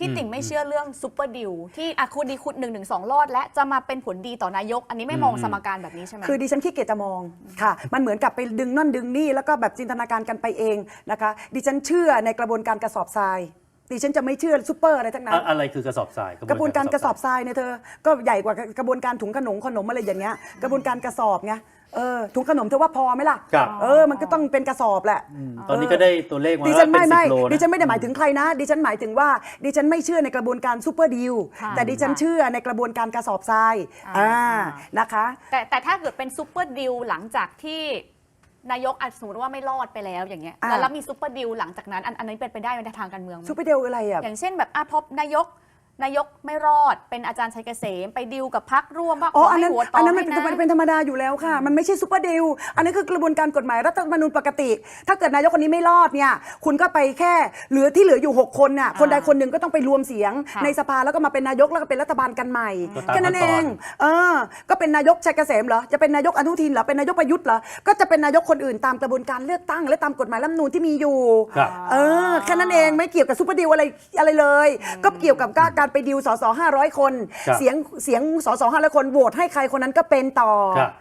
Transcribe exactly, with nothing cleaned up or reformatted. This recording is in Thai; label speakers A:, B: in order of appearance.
A: พี่ติ่งไม่เชื่อเรื่องซุปเปอร์ดิวที่อะคุณดีคุณหนึ่งหนึ่งสองรอดและจะมาเป็นผลดีต่อนายกอันนี้ไม่มองสมการแบบนี้ใช่ไหม
B: คือดิฉันขี้เกียจจะมองค่ะมันเหมือนกับไปดึงนั่นดึงนี่แล้วก็แบบจินตนาการกันไปเองนะคะดิฉันเชื่อในกระบวนการกระสอบทรายดิฉันจะไม่เชื่อซุปเปอร์อะไรทั้งนั้น
C: อะไรคือกระสอบทราย
B: กระบวนการกระสอบทรายเนี่ยเธอก็ใหญ่กว่ากระบวนการถุงขนมขนมอะไรอย่างเงี้ยกระบวนการกระสอบไงเออถุงขนมเธอว่าพอไหมล่ะเออมันก็ต้องเป็นกระสอบแหละ
C: ตอนนี้ก็ได้ตัวเลขมา
B: ดิฉันไม่ไม่
C: เป็นสิบโล
B: ดิฉันไม่ได้หมายถึงใครนะดิฉันหมายถึงว่าดิฉันไม่เชื่อในกระบวนการซุปเปอร์ดีลแต่ดิฉันเชื่อในกระบวนการกระสอบทรายอ่านะคะ
A: แต่แต่ถ้าเกิดเป็นซุปเปอร์ดิวหลังจากที่นายกอาจสมมติว่าไม่รอดไปแล้วอย่างเงี้ยแล้วมีซุปเปอร์ดิวหลังจากนั้นอันนี้เป็นไปได้ในทางการเมืองไหม
B: ซุปเปอร์ดีลอะไรอ่ะ
A: อย่างเช่นแบบอ่ะพบนายกนายกไม่รอดเป็นอาจารย์ชัยเกษมไปดิวกับพรรคร่วมว่าข
B: อ๋อ
A: อ
B: อัน
A: ให้
B: นั้น
A: หัวต่
B: อั
A: อน
B: นั้นมัน
A: ให้
B: เป็น
A: นะ
B: เป็นธรรมดาอยู่แล้วค่ะมันไม่ใช่ซุปเปอร์ดีลอันนี้คือกระบวนการกฎหมายรัฐธรรมนูญปกติ ถ้าเกิดนายกคนนี้ไม่รอดเนี่ยคุณก็ไปแค่เหลือที่เหลืออยู่หกคนน่ะคนใดคนหนึ่งก็ต้องไปรวมเสียงในสภาแล้วก็มาเป็นนายกแล้วก็เป็นรัฐบาลกันใหม่แค่นั้นเองเออก็เป็นนายกชัยเกษมเหรอจะเป็นนายกอนุทินเหรอเป็นนายกประยุทธ์เหรอก็จะเป็นนายกคนอื่นตามกระบวนการเลือกตั้งและตามกฎหมายรัฐธรรมนูญที่มีอยู่เออแค่นั้นเองไม่เกี่ยวกับซุปเปอร์ดีลอะไรอะไรเลยก็เกี่ยวกับการไปดิวสสห้าร้อยคนเสียงเสียงสสห้าร้อยคนโหวตให้ใครคนนั้นก็เป็นต่อ